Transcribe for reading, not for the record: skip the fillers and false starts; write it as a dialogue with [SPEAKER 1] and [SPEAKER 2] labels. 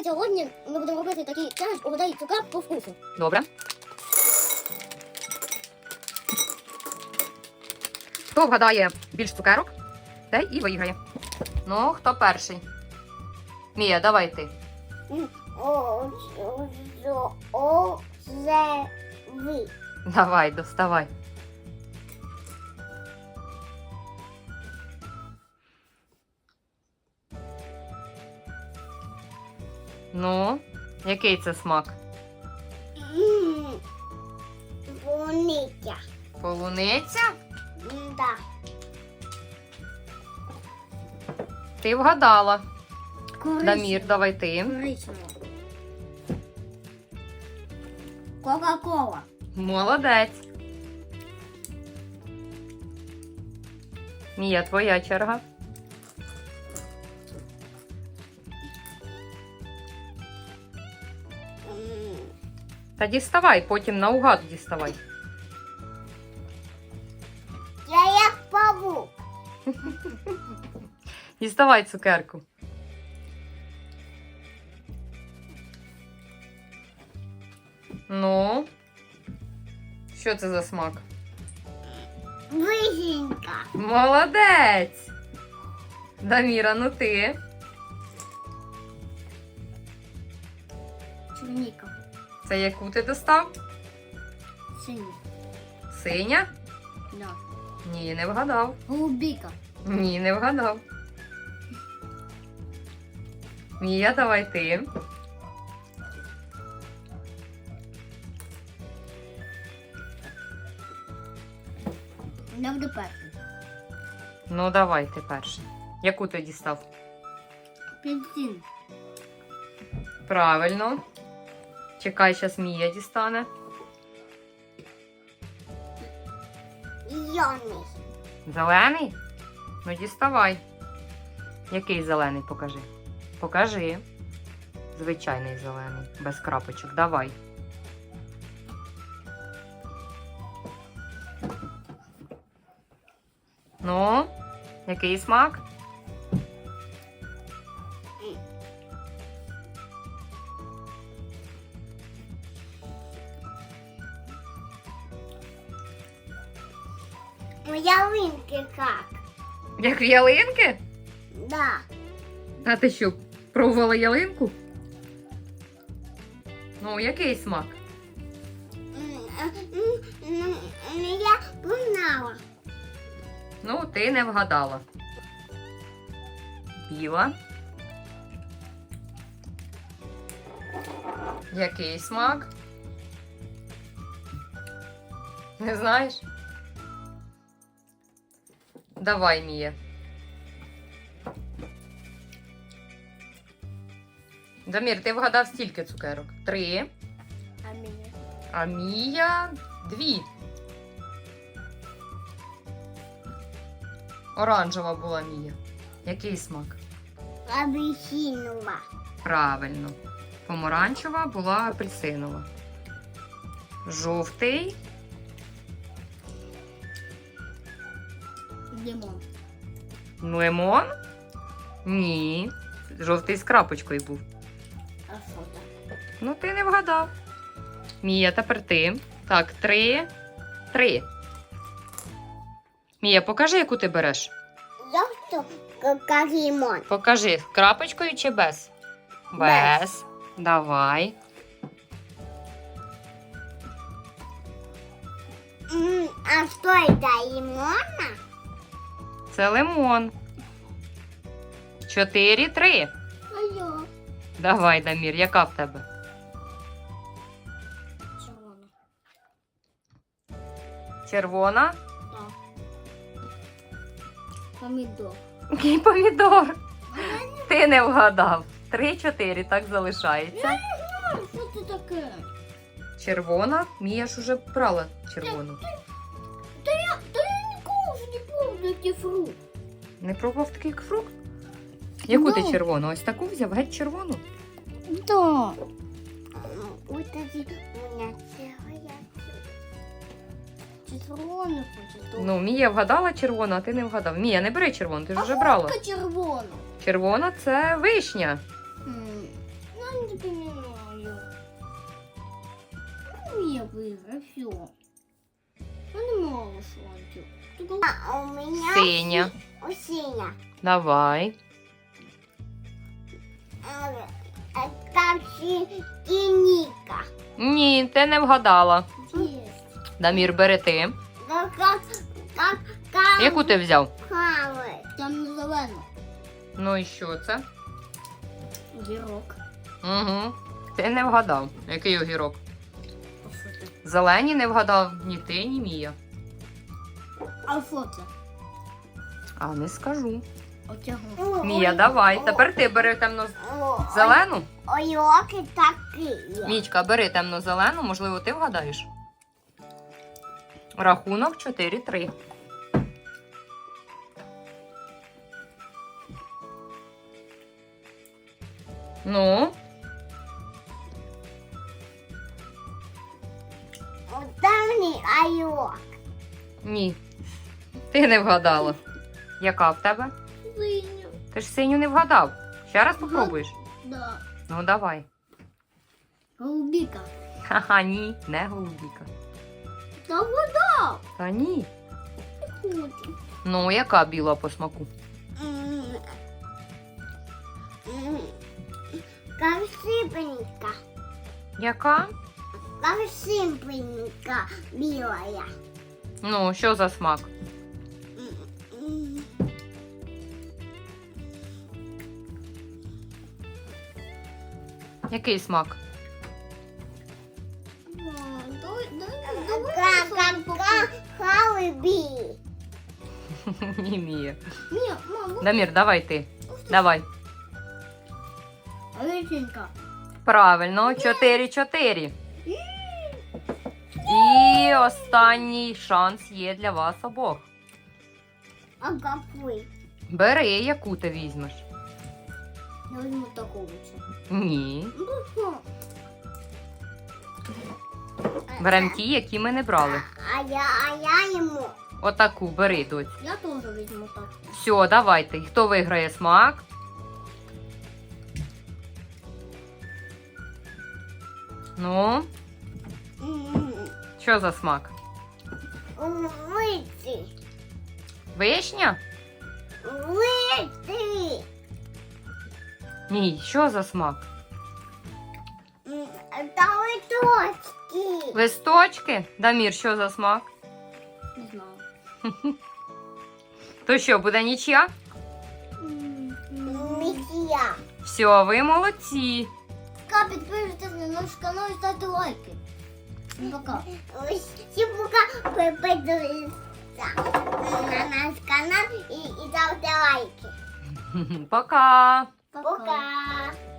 [SPEAKER 1] ми сьогодні будемо робити такий челендж «Угадай цукерку по вкусу».
[SPEAKER 2] Добре. Хто вгадає більш цукерок, той і виграє. Ну, хто перший? Мія, давай ти.
[SPEAKER 1] Озеви.
[SPEAKER 2] Давай, доставай. Ну, який це смак?
[SPEAKER 1] Полуниця.
[SPEAKER 2] Полуниця?
[SPEAKER 1] Да.
[SPEAKER 2] Ти вгадала.
[SPEAKER 1] Коричнева.
[SPEAKER 2] Дамір, давай ти.
[SPEAKER 1] Коричнева. Кока-кола.
[SPEAKER 2] Молодець. Мія, твоя черга. Та діставай, потім наугад діставай.
[SPEAKER 1] Я як павук.
[SPEAKER 2] Діставай цукерку. Ну, що це за смак?
[SPEAKER 1] Вишенька.
[SPEAKER 2] Молодець! Даміра, ну ти.
[SPEAKER 1] Черніка.
[SPEAKER 2] Це яку ти достав?
[SPEAKER 1] Синя.
[SPEAKER 2] Синя?
[SPEAKER 1] Да.
[SPEAKER 2] Ні, не вгадав.
[SPEAKER 1] Голубіка.
[SPEAKER 2] Ні, не вгадав. Мія, давай ти.
[SPEAKER 1] Я буду перший.
[SPEAKER 2] Ну, давай ти перший. Яку ти дістав?
[SPEAKER 1] Апельсин.
[SPEAKER 2] Правильно. Чекай, зараз Мія дістане.
[SPEAKER 1] Зелений.
[SPEAKER 2] Зелений? Ну, діставай. Який зелений, покажи. Покажи. Звичайний зелений, без крапочок. Давай. Ну, який смак?
[SPEAKER 1] Ялинки як?
[SPEAKER 2] Як в ялинки?
[SPEAKER 1] Да.
[SPEAKER 2] А ти що, пробувала ялинку? Ну, який смак?
[SPEAKER 1] Я познала.
[SPEAKER 2] Ну, ти не вгадала. Біла. Який смак? Не знаєш? Давай, Мія. Дамір, ти вгадав стільки цукерок? 3.
[SPEAKER 1] А мені?
[SPEAKER 2] А Мія 2. Оранжева була Мія. Який смак?
[SPEAKER 1] Апельсинова.
[SPEAKER 2] Правильно. Помаранчева була апельсинова. Жовтий.
[SPEAKER 1] Лимон.
[SPEAKER 2] Лимон? Ні. Жовтий з крапочкою був.
[SPEAKER 1] А що так?
[SPEAKER 2] Ну, ти не вгадав. Мія, тепер ти. Так, 3. 3. Мія, покажи, яку ти береш.
[SPEAKER 1] Жовто, як лимон.
[SPEAKER 2] Покажи, з крапочкою чи без? Без. Давай.
[SPEAKER 1] А що це, лимона?
[SPEAKER 2] Це лимон. 4, 3.
[SPEAKER 1] А я?
[SPEAKER 2] Давай, Дамір, яка в тебе?
[SPEAKER 1] Червона.
[SPEAKER 2] Червона?
[SPEAKER 1] Так. Помідор.
[SPEAKER 2] Який помідор? Ти не вгадав. 3, 4, так залишається.
[SPEAKER 1] Що це таке?
[SPEAKER 2] Червона. Мія ж уже брала червону.
[SPEAKER 1] Та я ніколи ж не помню, який фрукт.
[SPEAKER 2] Не пробував такий фрукт? Яку ти
[SPEAKER 1] Ну.
[SPEAKER 2] червону? Ось таку взяв, геть червону.
[SPEAKER 1] Да. Ось тоді у мене цього червону хочу.
[SPEAKER 2] Ну, Мія вгадала червону, а ти не вгадав. Мія, не бери червону, ти ж вже брала.
[SPEAKER 1] Червону.
[SPEAKER 2] Червона це вишня.
[SPEAKER 1] Ну выиграй, все. Ну, не можешь, Лантик. У меня
[SPEAKER 2] Синя.
[SPEAKER 1] синя.
[SPEAKER 2] Давай.
[SPEAKER 1] Там синика.
[SPEAKER 2] Ні, ти не вгадала.
[SPEAKER 1] Есть.
[SPEAKER 2] Дамір, бери ти.
[SPEAKER 1] Как
[SPEAKER 2] Яку ти взяв?
[SPEAKER 1] Там зелено.
[SPEAKER 2] Ну і що це?
[SPEAKER 1] Гірок.
[SPEAKER 2] Угу. Ти не вгадав. Який огірок? Зелені не вгадав ні ти, ні Мія.
[SPEAKER 1] А що це?
[SPEAKER 2] А не скажу.
[SPEAKER 1] Отягнув.
[SPEAKER 2] Мія, давай. Тепер ти бери темно-зелену.
[SPEAKER 1] Ойоки такі.
[SPEAKER 2] Мічка, бери темно-зелену, можливо, ти вгадаєш. Рахунок 4-3. Ну,
[SPEAKER 1] Там айок.
[SPEAKER 2] ні. Ти не вгадала. Яка в тебе?
[SPEAKER 1] Синю.
[SPEAKER 2] Ти ж синю не вгадав. Ще раз попробуєш?
[SPEAKER 1] Да.
[SPEAKER 2] Ну, давай.
[SPEAKER 1] Голубіка.
[SPEAKER 2] Ха-ха, ні, не голубіка.
[SPEAKER 1] Та вода.
[SPEAKER 2] Та ні.
[SPEAKER 1] Хочу.
[SPEAKER 2] Ну, яка біла по смаку?
[SPEAKER 1] Как сыпенька.
[SPEAKER 2] Яка?
[SPEAKER 1] Как сыпенька белая.
[SPEAKER 2] Ну, що за смак? Який смак?
[SPEAKER 1] Халиби.
[SPEAKER 2] Ні, Мія.
[SPEAKER 1] Ні, мама.
[SPEAKER 2] Дамір, давай ти. Давай.
[SPEAKER 1] Реченька.
[SPEAKER 2] Правильно, 4-4. І останній шанс є для вас обох.
[SPEAKER 1] А какой?
[SPEAKER 2] Бери, яку ти візьмеш.
[SPEAKER 1] Я возьму такого же.
[SPEAKER 2] Ні. Берем ті, які ми не брали.
[SPEAKER 1] А я ему.
[SPEAKER 2] Отаку бери, доць.
[SPEAKER 1] Я тоже возьму так.
[SPEAKER 2] Все, давайте. Хто виграє смак? Ну, що за смак?
[SPEAKER 1] Выйти.
[SPEAKER 2] Вишня?
[SPEAKER 1] Выйти.
[SPEAKER 2] Ні, що за смак?
[SPEAKER 1] Это точки.
[SPEAKER 2] Листочки? Дамір, що за смак?
[SPEAKER 1] Не знаю.
[SPEAKER 2] То що, буде нічия?
[SPEAKER 1] Миссия.
[SPEAKER 2] Все, ви молодці.
[SPEAKER 1] Підписуйтесь на наш канал і ставте лайки. Пока. Всім пока. Підписуйтесь на наш канал і ставте лайки.
[SPEAKER 2] Пока.
[SPEAKER 1] Пока.